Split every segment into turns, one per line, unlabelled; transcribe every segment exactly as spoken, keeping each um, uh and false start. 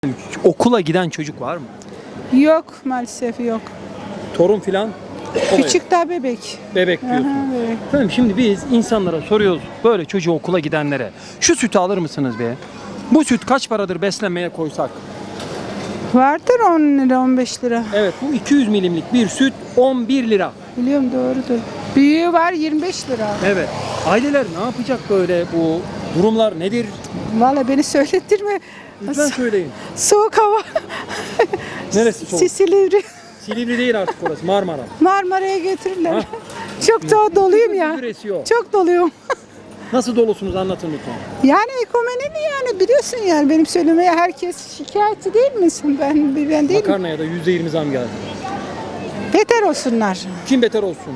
Okula giden çocuk var mı?
Yok maalesef yok.
Torun filan?
Küçük daha bebek.
Bebek diyorsun.
Aha, bebek.
Efendim şimdi biz insanlara soruyoruz böyle çocuğu okula gidenlere. Şu sütü alır mısınız be? Bu süt kaç paradır beslenmeye koysak?
Vardır on lira on beş lira.
Evet bu iki yüz milimlik bir süt on bir lira.
Biliyorum doğrudur. Büyüğü var yirmi beş lira.
Evet. Aileler ne yapacak böyle bu durumlar nedir?
Vallahi beni söylettirme.
Lütfen söyleyin.
Soğuk hava.
Neresi soğuk?
Silivri.
Silivri değil artık orası, Marmara.
Marmara'ya götürürler.
Ha?
Çok da doluyum ya.
Gündüz esiyor.
Çok doluyum.
Nasıl dolusunuz anlatın lütfen.
Yani ekonominin yani biliyorsun yani benim söylemeye herkes şikayetçi değil misin? Ben ben değil mi?
Makarnaya da yüzde yirmi zam geldi.
Beter olsunlar.
Kim beter olsun?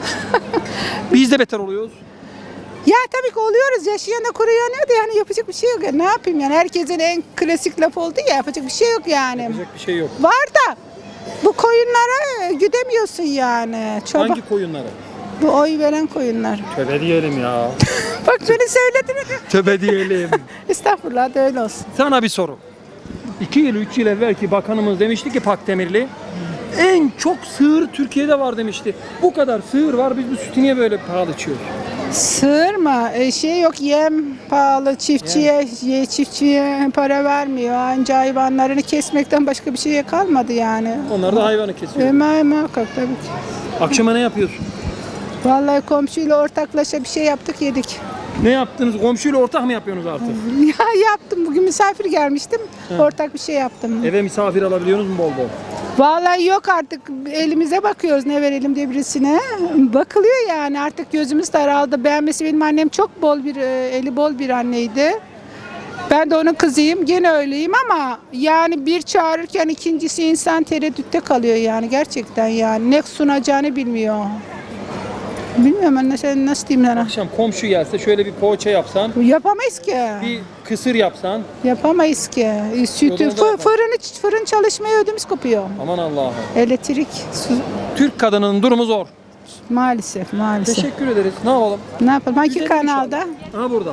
Biz de beter oluyoruz.
Ya tabii ki oluyoruz. Yaşayan da kuruyanıyor da yani yapacak bir şey yok. Ya. Ne yapayım yani herkesin en klasik laf oldu ya yapacak bir şey yok yani.
Yapacak bir şey yok.
Var da bu koyunlara güdemiyorsun yani. Çoban,
Hangi koyunları?
bu oy veren koyunlar.
Töbe diyelim ya.
Bak beni söyledin.
Töbe diyelim.
Estağfurullah da öyle olsun.
Sana bir soru. İki yıl, üç yıl evvelki bakanımız demişti ki Pakdemirli, en çok sığır Türkiye'de var demişti. Bu kadar sığır var, biz bu sütü niye böyle pahalı içiyoruz?
Sığır mı? E, şey yok yem pahalı çiftçiye ye, çiftçiye para vermiyor. Anca hayvanlarını kesmekten başka bir şeye kalmadı yani.
Onlar da hayvanı kesiyor.
E, ma- muhakkak tabii ki.
Akşama ne yapıyorsun?
Vallahi komşuyla ortaklaşa bir şey yaptık yedik.
Ne yaptınız? Komşuyla ortak mı yapıyorsunuz artık?
Ya yaptım. Bugün misafir gelmiştim.
He.
Ortak bir şey yaptım.
Eve misafir alabiliyorsunuz mu bol bol?
Vallahi yok artık. Elimize bakıyoruz ne verelim diye birisine. Bakılıyor yani artık gözümüz daraldı. Beğenmesi benim annem çok bol bir, e, eli bol bir anneydi. Ben de onun kızıyım. Gene öyleyim ama yani bir çağırırken ikincisi insan tereddütte kalıyor yani gerçekten yani. Ne sunacağını bilmiyor. Bilmiyorum ben nasıl, nasıl diyeyim sana.
Akşam komşu gelse şöyle bir poğaça yapsan,
Yapamayız ki.
bir kısır yapsan,
Yapamayız ki. E, Sütü,
Ödümüz
fı,
yapar.
fırın, fırın çalışmaya ödümüz kopuyor.
aman Allah'ım.
Elektrik, su,
Türk kadının durumu zor.
maalesef maalesef.
Teşekkür ederiz. Ne yapalım?
Ne yapalım? Hangi
Güzel
kanalda?
Ha burada.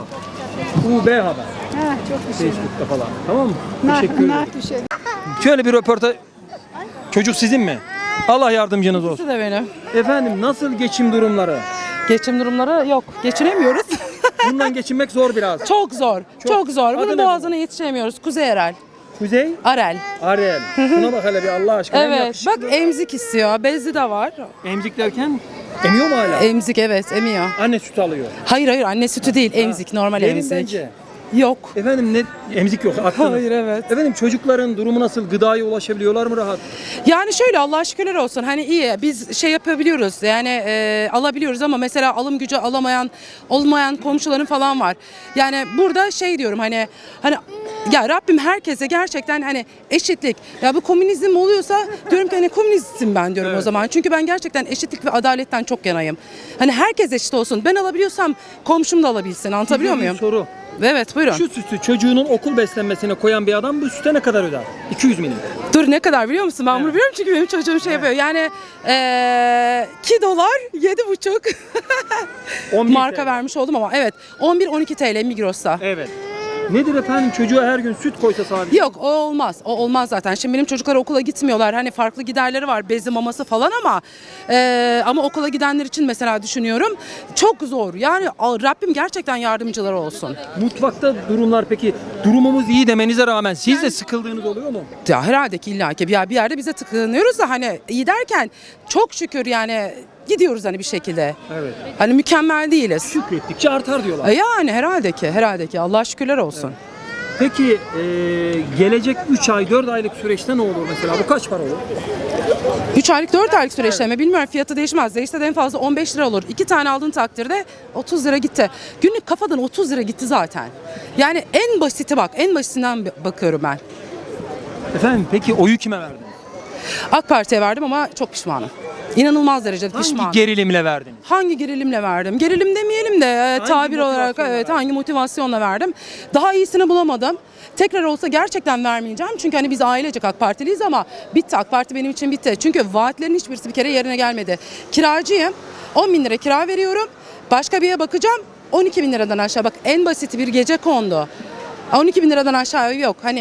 U B Haber.
Ha, çok bir şey.
Facebook'ta falan. Tamam mı?
Ne,
Teşekkür
ne
ederim.
bir şey.
Şöyle bir röportaj. Çocuk sizin mi? Allah yardımcınız olsun.
İkisi de benim.
Efendim nasıl geçim durumları?
Geçim durumları yok. Geçinemiyoruz.
Bundan geçinmek zor biraz.
Çok zor. Çok, zor.
Adı
Bunun
ne
boğazına yetişemiyoruz. Kuzey Erel.
Kuzey,
Arel.
Arel. Şuna bak hele bir Allah aşkına. Hem
Evet.
yakışıklı.
Bak emzik istiyor. Bezi de var.
Emzik derken emiyor mu hala?
Emzik evet emiyor.
Anne süt alıyor.
Hayır hayır anne sütü değil. Emzik normal
Verin
emzik.
bence.
Yok.
Efendim ne emzik yok. Aklınız.
Hayır evet.
Efendim çocukların durumu nasıl? Gıdaya ulaşabiliyorlar mı rahat?
Yani şöyle Allah'a şükürler olsun hani iyi biz şey yapabiliyoruz yani e, alabiliyoruz ama mesela alım gücü alamayan olmayan komşuların falan var. Yani burada şey diyorum hani hani ya Rabbim herkese gerçekten hani eşitlik ya bu komünizm oluyorsa diyorum ki hani komünistim ben diyorum
Evet.
o zaman. Çünkü ben gerçekten eşitlik ve adaletten çok yanayım. Hani herkes eşit olsun ben alabiliyorsam komşum da alabilsin anlatabiliyor
Size bir
muyum?
soru.
Evet buyurun.
Şu sütü çocuğunun okul beslenmesine koyan bir adam bu süte ne kadar öder? iki yüz milim.
Dur ne kadar biliyor musun? Ben bunu
Evet.
biliyorum çünkü benim çocuğum şey yapıyor. Yani eee iki dolar yedi buçuk
on bir
marka
T L.
vermiş oldum ama evet on bir on iki T L Migros'ta.
Evet. Nedir efendim çocuğa her gün süt koysa sadece?
Yok o olmaz. O olmaz zaten. Şimdi benim çocuklar okula gitmiyorlar. Hani farklı giderleri var. Bezi maması falan ama eee, ama okula gidenler için mesela düşünüyorum. Çok zor. Yani Rabbim gerçekten yardımcıları olsun.
Mutfakta durumlar peki durumumuz iyi demenize rağmen siz de sıkıldığınız oluyor mu?
Ya herhalde ki illa ki bir bir yerde bize tıklanıyoruz da hani iyi derken çok şükür yani gidiyoruz hani bir şekilde.
Evet.
Hani mükemmel değiliz.
Şükrettikçe artar diyorlar.
E Yani herhalde ki, herhalde ki. Allah'a şükürler olsun.
Peki e, gelecek üç ay dört aylık süreçte ne olur mesela? Bu kaç para olur?
üç aylık dört aylık süreçte mi bilmiyorum fiyatı değişmez. Değişse de en fazla on beş lira olur. iki tane aldığın takdirde otuz lira gitti. Günlük kafadan otuz lira gitti zaten. Yani en basiti bak, en basitinden bakıyorum ben.
Efendim peki oyu kime verdiniz?
AK Parti'ye verdim ama çok pişmanım. İnanılmaz derecede
Hangi
pişmanım.
gerilimle verdiniz?
Hangi gerilimle verdim? Gerilim demeyelim de e, tabir olarak
motivasyonla
evet
verdin?
hangi motivasyonla verdim? Daha iyisini bulamadım. Tekrar olsa gerçekten vermeyeceğim. Çünkü hani biz ailecek AK Partiliyiz ama bitti. AK Parti benim için bitti. Çünkü vaatlerin hiçbirisi bir kere yerine gelmedi. Kiracıyım. on bin lira kira veriyorum. Başka bir yere bakacağım. on iki bin liradan aşağı. Bak en basit bir gece kondu. on iki bin liradan aşağı yok. Hani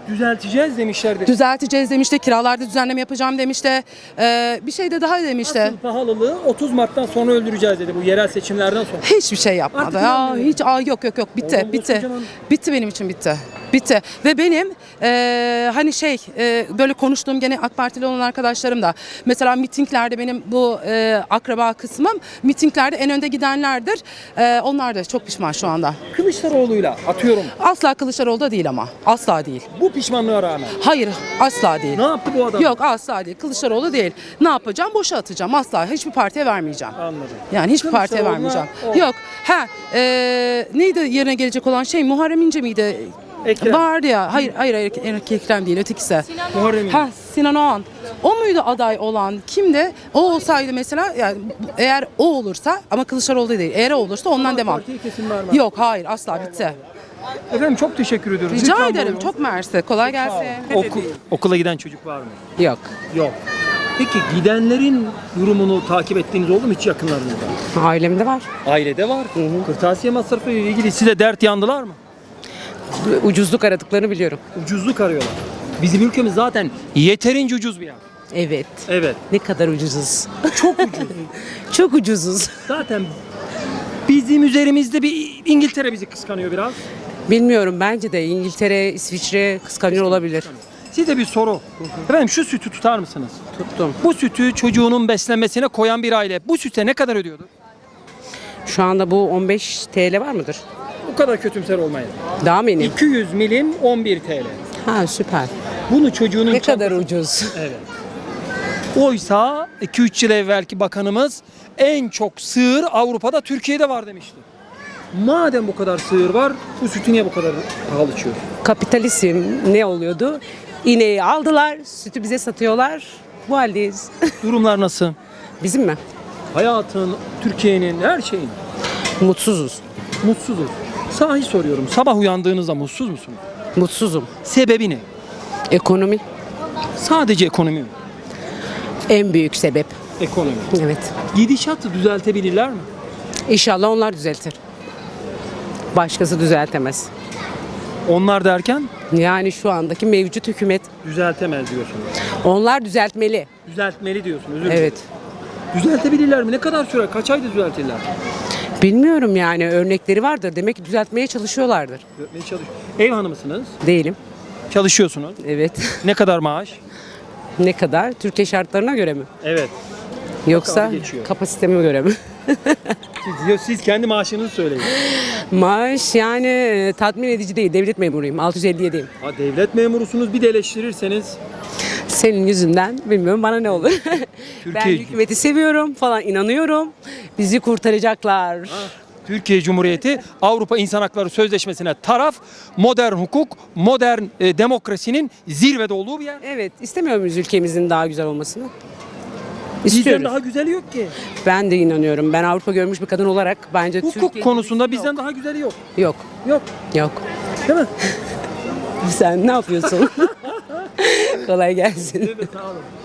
Düzelteceğiz demişlerdi.
Düzelteceğiz demişti, kiralarda düzenleme yapacağım demişti. Ee, bir şey de daha demişti.
Asıl pahalılığı otuz Mart'tan sonra öldüreceğiz dedi bu yerel seçimlerden sonra.
Hiçbir şey yapmadı.
Artık
Ya
inanmıyorum.
hiç aa, yok yok yok bitti
Oğlum,
bitti.
koskocaman.
Bitti benim için bitti. Bitti. Ve benim eee, hani şey eee, böyle konuştuğum gene AK Partili olan arkadaşlarım da mesela mitinglerde benim bu eee, akraba kısmım mitinglerde en önde gidenlerdir. Eee, onlar da çok pişman şu anda.
Kılıçdaroğlu'yla atıyorum
Asla Kılıçdaroğlu'da değil ama. Asla değil.
bu pişmanlığa rağmen.
Hayır asla değil.
Ne yaptı bu adam?
Yok asla değil. Kılıçdaroğlu değil. Ne yapacağım? Boşa atacağım. Asla. Hiçbir partiye vermeyeceğim.
Anladım.
Yani hiçbir partiye
Kılıçdaroğlu'na
vermeyeceğim.
o.
Yok. Ha, e, neydi yerine gelecek olan şey? Muharrem İnce miydi?
Ekrem.
Vardı ya. Hayır, hayır, hayır Ekrem değil. Ötekisi.
Muharrem İnce.
Ha, Sinan Oğan. O muydu aday olan? Kimdi? O olsaydı mesela yani eğer o olursa ama Kılıçdaroğlu değil. Eğer o olursa ondan devam.
Partiye kesin vermez.
Yok, hayır. Asla bitti.
Efendim çok teşekkür ediyoruz.
Rica
Lütfen
ederim.
buyurun.
Çok mersi. Kolay gelsin.
Oku- okula giden çocuk var mı?
Yok.
Yok. Peki gidenlerin durumunu takip ettiğiniz oldu mu hiç yakınlarınızda?
Ailemde var.
Ailede var. Kırtasiye masrafı ile ilgili size dert yandılar mı?
Ucuzluk aradıklarını biliyorum.
Ucuzluk arıyorlar. Bizim ülkemiz zaten yeterince ucuz bir yer.
Evet.
Evet.
Ne kadar ucuzuz.
Çok ucuz.
Çok ucuzuz.
Zaten bizim üzerimizde bir İngiltere bizi kıskanıyor biraz.
Bilmiyorum, bence de İngiltere, İsviçre kıskanıyor olabilir.
Size bir soru. Efendim şu sütü tutar mısınız?
Tuttum.
Bu sütü çocuğunun beslenmesine koyan bir aile bu süte ne kadar ödüyordur?
Şu anda bu on beş T L var mıdır?
Bu kadar kötümser olmayın.
Daha mı ineyim?
iki yüz milim on bir T L.
Ha, süper.
Bunu çocuğunun
Ne kadar
çantası-
ucuz.
Evet. Oysa iki üç yıl evvelki bakanımız en çok sığır Avrupa'da Türkiye'de var demişti. Madem bu kadar sığır var, bu sütü niye bu kadar pahalı içiyor?
Kapitalizm ne oluyordu? İneği aldılar, sütü bize satıyorlar. Bu haldeyiz.
Durumlar nasıl?
Bizim mi?
Hayatın, Türkiye'nin, her şeyin.
Mutsuzuz.
Mutsuzuz. Sahi soruyorum. Sabah uyandığınızda mutsuz musunuz?
Mutsuzum.
Sebebi ne?
Ekonomi
Sadece ekonomi mi?
en büyük sebep.
Ekonomi.
Evet.
Gidişatı düzeltebilirler mi?
İnşallah onlar düzeltir. Başkası düzeltemez.
Onlar derken
Yani şu andaki mevcut hükümet
düzeltemez diyorsunuz.
onlar düzeltmeli.
Düzeltmeli diyorsunuz. özür dilerim.
Evet.
Düzeltebilirler mi? Ne kadar sürer? Kaç ayda düzeltirler?
Bilmiyorum, yani örnekleri vardır. Demek ki düzeltmeye çalışıyorlardır.
Düzeltmeye çalış. Ev hanımısınız.
Değilim.
Çalışıyorsunuz.
Evet.
Ne kadar maaş?
Ne kadar? Türkiye şartlarına göre mi?
Evet.
Yoksa
Bakalım geçiyor.
kapasiteme göre mi?
Siz, siz kendi maaşınızı söyleyin.
Maaş yani e, tatmin edici değil. Devlet memuruyum. altı yüz elli yediyim.
Ha, devlet memurusunuz, bir de eleştirirseniz
Senin yüzünden bilmiyorum bana ne olur. ben
Türkiye-
hükümeti seviyorum falan, inanıyorum. Bizi kurtaracaklar.
Türkiye Cumhuriyeti Avrupa İnsan Hakları Sözleşmesi'ne taraf, modern hukuk, modern e, demokrasinin zirvede olduğu bir yer.
Evet, istemiyor muyuz ülkemizin daha güzel olmasını?
Bizden
İstiyoruz.
daha güzeli yok ki.
Ben de inanıyorum. Ben Avrupa görmüş bir kadın olarak bence
Hukuk
Türkiye'nin
konusunda
yok.
bizden daha güzeli yok.
Yok.
Yok.
Yok.
Değil mi?
Sen ne yapıyorsun? Kolay gelsin.
Evet, sağ olun.